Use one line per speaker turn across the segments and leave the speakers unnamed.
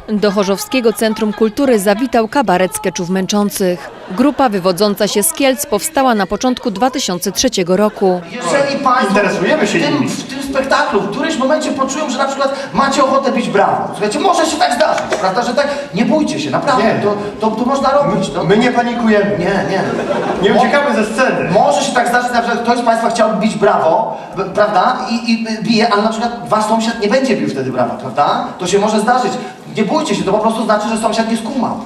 Do Chorzowskiego Centrum Kultury zawitał kabaret skeczów męczących. Grupa wywodząca się z Kielc powstała na początku 2003 roku.
Jeżeli Państwo
Interesujemy się nimi.
w tym spektaklu w którymś momencie poczują, że na przykład macie ochotę bić brawo. Słuchajcie, może się tak zdarzyć, prawda, że tak, nie bójcie się, naprawdę,
Nie.
to można robić. No.
My nie panikujemy.
Nie.
Nie uciekamy ze sceny.
Może się tak zdarzyć, na przykład ktoś z Państwa chciałby bić brawo, prawda, i bije, ale na przykład Wasz sąsiad nie będzie bił wtedy brawa, prawda? To się może zdarzyć. Nie bójcie się, to po prostu znaczy, że sąsiad nie skumał.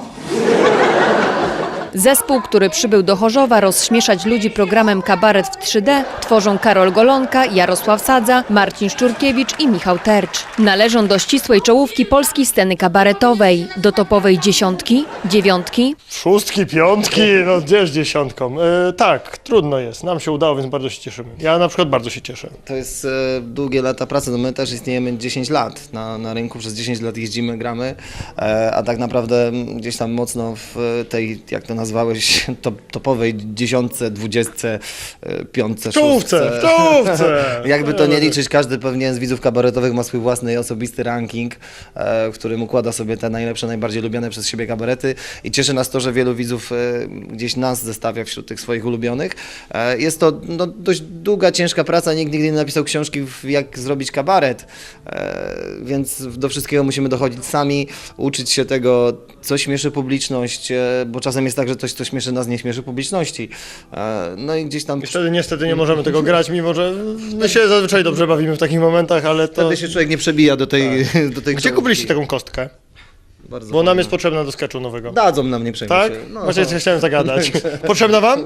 Zespół, który przybył do Chorzowa rozśmieszać ludzi programem Kabaret w 3D, tworzą Karol Golonka, Jarosław Sadza, Marcin Szczurkiewicz i Michał Tercz. Należą do ścisłej czołówki polskiej sceny kabaretowej, do topowej dziesiątki, dziewiątki.
Szóstki, piątki, no gdzież dziesiątką. Tak, trudno jest. Nam się udało, więc bardzo się cieszymy. Ja na przykład bardzo się cieszę.
To jest długie lata pracy, no my też istniejemy 10 lat na rynku, przez 10 lat jeździmy, gramy, a tak naprawdę gdzieś tam mocno w tej, jak to nazwałeś, topowej dziesiątce, dwudziestce, piątce,
W czołówce.
Jakby to nie liczyć, każdy pewnie z widzów kabaretowych ma swój własny osobisty ranking, w którym układa sobie te najlepsze, najbardziej lubiane przez siebie kabarety i cieszy nas to, że wielu widzów gdzieś nas zestawia wśród tych swoich ulubionych. Jest to no, dość długa, ciężka praca, nikt nigdy nie napisał książki, jak zrobić kabaret, więc do wszystkiego musimy dochodzić sami, uczyć się tego, co śmieszy publiczność, bo czasem jest tak, że coś, co śmieszy nas, nie śmieszy publiczności. No i gdzieś tam...
I wtedy niestety nie możemy tego grać, mimo że my się zazwyczaj dobrze bawimy w takich momentach, ale to...
Wtedy się człowiek nie przebija do tej... Do tej
Gdzie kupiliście taką kostkę?
Bardzo
Bo nam
fajnie.
jest potrzebna do sketchu nowego.
Dadzą nam, nie przejmuj
Tak?
się. No.
Właśnie chciałem zagadać. Potrzebna wam?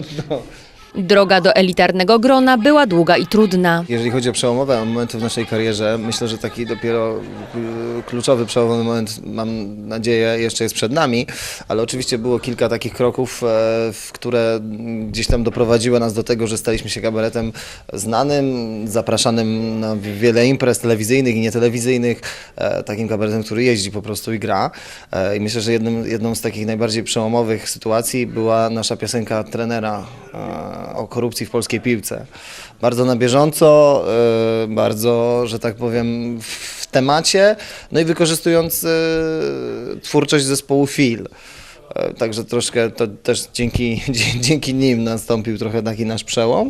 Droga do elitarnego grona była długa i trudna.
Jeżeli chodzi o przełomowe momenty w naszej karierze, myślę, że taki dopiero kluczowy, przełomowy moment, mam nadzieję, jeszcze jest przed nami, ale oczywiście było kilka takich kroków, które gdzieś tam doprowadziły nas do tego, że staliśmy się kabaretem znanym, zapraszanym na wiele imprez telewizyjnych i nietelewizyjnych, takim kabaretem, który jeździ po prostu i gra. I myślę, że jedną z takich najbardziej przełomowych sytuacji była nasza piosenka trenera o korupcji w polskiej piłce. Bardzo na bieżąco, bardzo, że tak powiem, w temacie, no i wykorzystując twórczość zespołu Fil. Także troszkę to też dzięki nim nastąpił trochę taki nasz przełom.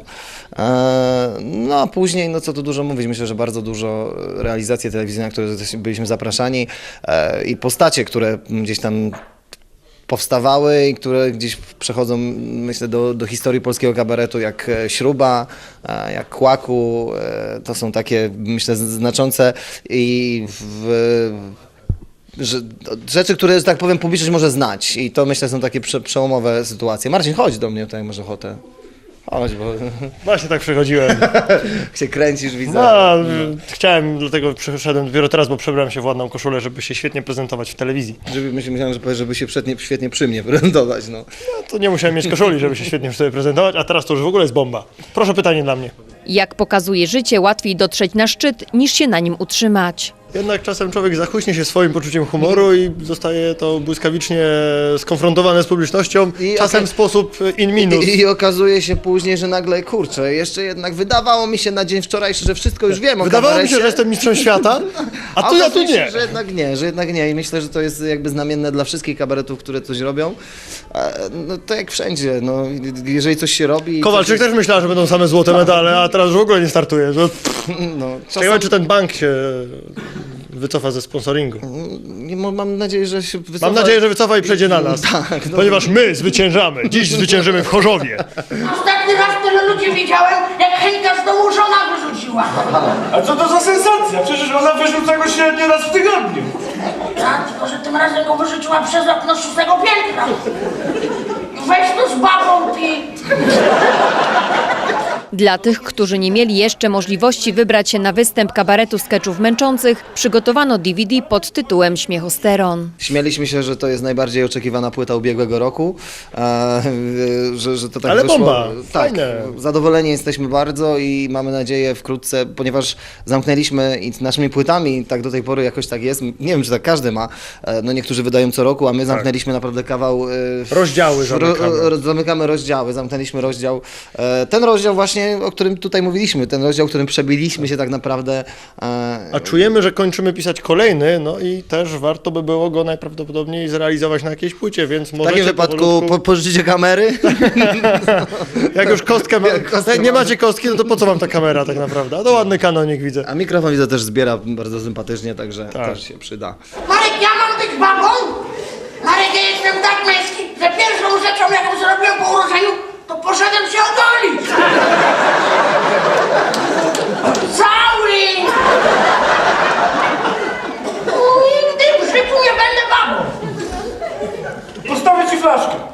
No a później, no co tu dużo mówić, myślę, że bardzo dużo realizacji telewizyjnych, na które byliśmy zapraszani i postacie, które gdzieś tam powstawały i które gdzieś przechodzą, myślę, do historii polskiego kabaretu, jak Śruba, jak Kłaku. To są takie, myślę, znaczące i rzeczy, które, że tak powiem, publiczność może znać. I to, myślę, są takie przełomowe sytuacje. Marcin, chodź do mnie tutaj, masz ochotę. Chodź, bo
Właśnie tak przechodziłem.
się kręcisz, widzę.
No, chciałem, dlatego przyszedłem dopiero teraz, bo przebrałem się w ładną koszulę, żeby się świetnie prezentować w telewizji.
Myślałem, że powiesz, żeby się świetnie przy mnie prezentować. No.
No, to nie musiałem mieć koszuli, żeby się świetnie sobie prezentować, a teraz to już w ogóle jest bomba. Proszę pytanie dla mnie.
Jak pokazuje życie, łatwiej dotrzeć na szczyt, niż się na nim utrzymać.
Jednak czasem człowiek zachłyśnie się swoim poczuciem humoru i zostaje to błyskawicznie skonfrontowane z publicznością, czasem w sposób in minus.
I okazuje się później, że nagle, kurczę, jeszcze jednak wydawało mi się na dzień wczorajszy, że wszystko już wiem o
Wydawało mi się,
kabarecie.
że jestem mistrzem świata, a tu ja tu
okazuje się,
nie.
że jednak nie. I myślę, że to jest jakby znamienne dla wszystkich kabaretów, które coś robią. No to jak wszędzie, no jeżeli coś się robi...
Kowalczyk też myślała, że będą same złote medale, a teraz już w ogóle nie startuje. Że...
No,
Ciekawe, czy ten bank się wycofa ze sponsoringu.
Mam nadzieję, że się wycofa.
Mam nadzieję, że wycofa i przejdzie na nas,
Tak, no.
ponieważ my zwyciężamy. Dziś zwyciężymy w Chorzowie.
Ostatni raz tyle ludzi widziałem, jak Henka z domu żona wyrzuciła.
A co to za sensacja? Przecież ona wyrzuca go średnio raz w tygodniu.
Tak, tylko że tym razem go wyrzuciła przez okno 6. piętra. Weź tu z babą pi.
Dla tych, którzy nie mieli jeszcze możliwości wybrać się na występ kabaretu skeczów męczących, przygotowano DVD pod tytułem Śmiechosteron.
Śmialiśmy się, że to jest najbardziej oczekiwana płyta ubiegłego roku, że to tak
Ale
wyszło.
bomba,
Tak,
fajne.
zadowoleni jesteśmy bardzo i mamy nadzieję wkrótce, ponieważ zamknęliśmy i naszymi płytami, tak do tej pory jakoś tak jest, nie wiem, czy tak każdy ma, no niektórzy wydają co roku, a my zamknęliśmy naprawdę kawał...
Rozdziały zamykamy.
Zamykamy rozdziały, zamknęliśmy rozdział. Ten rozdział właśnie właśnie, o którym tutaj mówiliśmy, ten rozdział, którym przebiliśmy się tak naprawdę.
A czujemy, że kończymy pisać kolejny, no i też warto by było go najprawdopodobniej zrealizować na jakiejś płycie, więc
W
możecie
takim wypadku
powolutku-
pożyczycie kamery.
Jak już kostkę nie macie kostki, no to po co wam ta kamera tak naprawdę? A to ładny kanonik widzę.
A mikrofon widzę też zbiera bardzo sympatycznie, także też się przyda.
Marek, ja mam być babą? Marek, ja jestem tak męski, że pierwszą rzeczą, jaką zrobiłem po urodzeniu, to poszedłem się ogolić. Cały! Nigdy w życiu nie będę babą.
Postawię ci flaszkę.